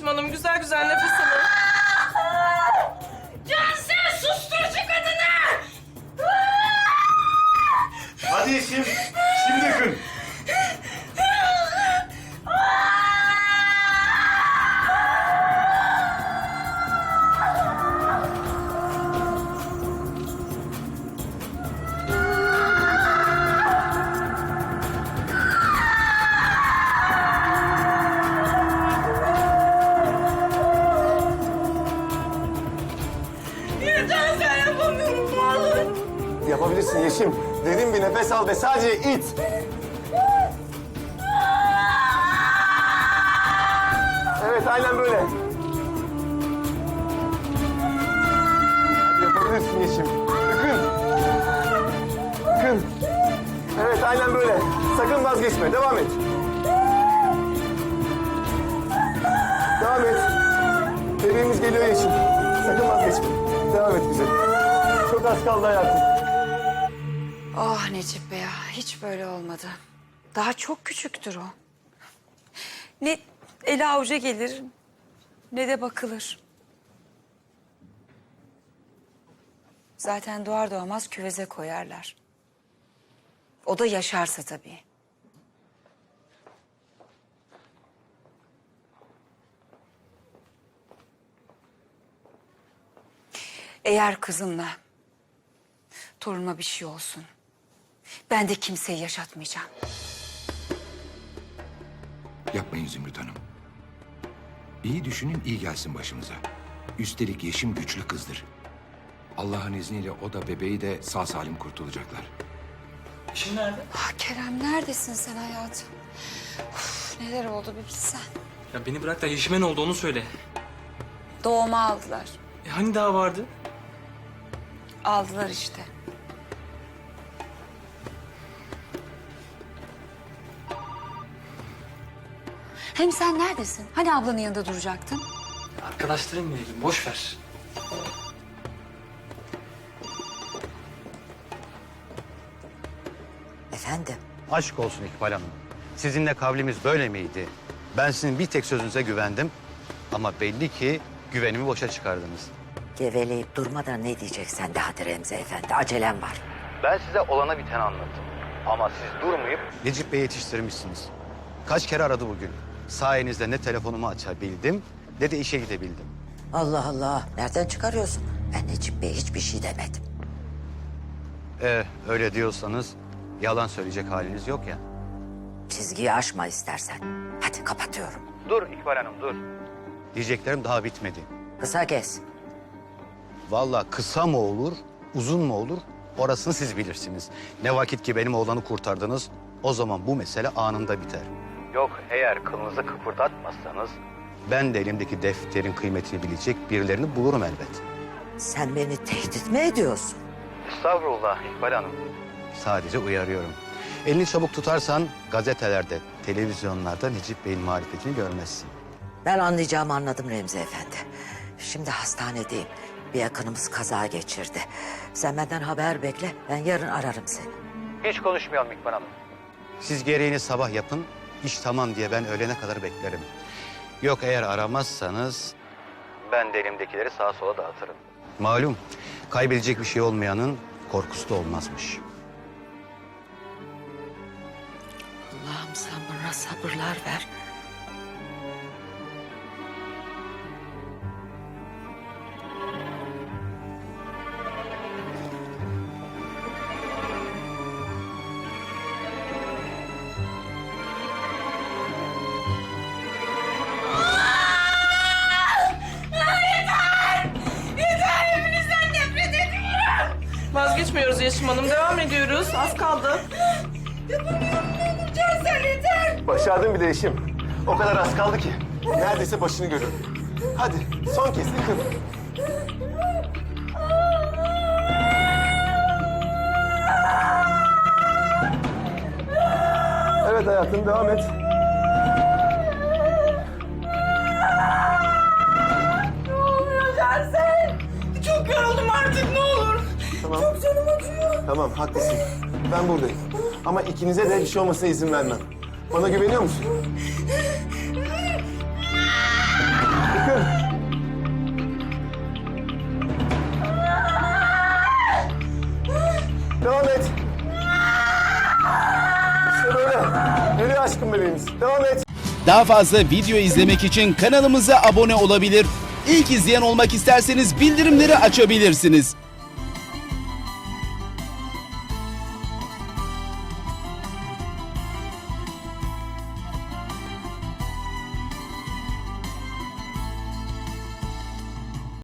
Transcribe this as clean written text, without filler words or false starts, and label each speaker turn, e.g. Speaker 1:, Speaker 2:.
Speaker 1: Yeşim Hanım. Güzel güzel nefes alın.
Speaker 2: Cansel sustur şu kadını!
Speaker 3: Hadi Yeşim. Şimdi yakın.
Speaker 2: Cansel yapamıyorum ne olur.
Speaker 3: Yapabilirsin Yeşim. Derin bir nefes al ve sadece it. Evet, aynen böyle. Hadi yapabilirsin Yeşim. Yakın. Yakın. Evet, aynen böyle. Sakın vazgeçme. Devam et. Devam et. Bebeğimiz geliyor Yeşim. Sakın vazgeçme. Devam et güzelim. Çok az kaldı hayatım.
Speaker 4: Ah Necip Bey ya, hiç böyle olmadı. Daha çok küçüktür o. Ne eli avuca gelir, ne de bakılır. Zaten doğar doğmaz küveze koyarlar. O da yaşarsa tabii. Eğer kızımla torunuma bir şey olsun, ben de kimseyi yaşatmayacağım.
Speaker 5: Yapmayın Zümrüt Hanım. İyi düşünün, iyi gelsin başımıza. Üstelik Yeşim güçlü kızdır. Allah'ın izniyle o da bebeği de sağ salim kurtulacaklar.
Speaker 6: Yeşim nerede?
Speaker 4: Ah Kerem, neredesin sen hayatım? Uf, neler oldu bir bilsen.
Speaker 6: Ya beni bırak da Yeşim'e ne oldu onu söyle.
Speaker 4: Doğuma aldılar.
Speaker 6: Hani daha vardı?
Speaker 4: Aldılar işte. Hem sen neredesin? Hani ablanın yanında duracaktın?
Speaker 6: Arkadaşlarımla ilgili boş ver.
Speaker 7: Efendim?
Speaker 8: Aşk olsun İkbal Hanım. Sizinle kavlimiz böyle miydi? Ben sizin bir tek sözünüze güvendim. Ama belli ki güvenimi boşa çıkardınız.
Speaker 7: Geveleyip durmadan ne diyeceksen de hadi Remzi Efendi. Acelem var.
Speaker 8: Ben size olana biteni anlattım. Ama siz durmayıp Necip Bey'i yetiştirmişsiniz. Kaç kere aradı bugün. Sayenizde ne telefonumu açabildim ne de işe gidebildim.
Speaker 7: Allah Allah. Nereden çıkarıyorsun? Ben Necip Bey'e hiçbir şey demedim.
Speaker 8: Öyle diyorsanız yalan söyleyecek haliniz yok ya.
Speaker 7: Çizgiyi aşma istersen. Hadi kapatıyorum.
Speaker 8: Dur İkbal Hanım dur. Diyeceklerim daha bitmedi.
Speaker 7: Kısa kes.
Speaker 8: Vallahi kısa mı olur, uzun mu olur orasını siz bilirsiniz. Ne vakit ki benim oğlanı kurtardınız, o zaman bu mesele anında biter. Yok, eğer kılınızı kıpırdatmazsanız ben de elimdeki defterin kıymetini bilecek birilerini bulurum elbet.
Speaker 7: Sen beni tehdit mi ediyorsun?
Speaker 8: Estağfurullah İkbal Hanım. Sadece uyarıyorum. Elini çabuk tutarsan gazetelerde, televizyonlarda Necip Bey'in marifetini görmezsin.
Speaker 7: Ben anlayacağımı anladım Remzi Efendi. Şimdi hastanedeyim. Bir yakınımız kaza geçirdi. Sen benden haber bekle. Ben yarın ararım seni.
Speaker 8: Hiç konuşmayalım İkbal Hanım. Siz gereğini sabah yapın, iş tamam diye ben öğlene kadar beklerim. Yok eğer aramazsanız ben de elimdekileri sağa sola dağıtırım. Malum kaybedecek bir şey olmayanın korkusu da olmazmış.
Speaker 7: Allah'ım sen bana sabırlar ver.
Speaker 2: Yeter hepinizden nefret ediyorum.
Speaker 1: Vazgeçmiyoruz Yeşim Hanım. Devam ediyoruz. Az kaldı.
Speaker 2: Yapamıyorum ne olur Cansel yeter.
Speaker 3: Başardın bile Yeşim. O kadar az kaldı ki. Neredeyse başını görür. Hadi son kez yakın. Evet hayatım, devam et.
Speaker 2: Ne oluyor Cansel? Çok yoruldum artık ne olur.
Speaker 3: Tamam.
Speaker 2: Çok canım acıyor.
Speaker 3: Tamam, haklısın. Ben buradayım. Ama ikinize de bir şey olmasına izin vermem. Bana güveniyor musun? Bakın. Devam et. İşte böyle. Geliyor aşkım bebeğimiz. Devam et.
Speaker 9: Daha fazla video izlemek için kanalımıza abone olabilir. İlk izleyen olmak isterseniz bildirimleri açabilirsiniz.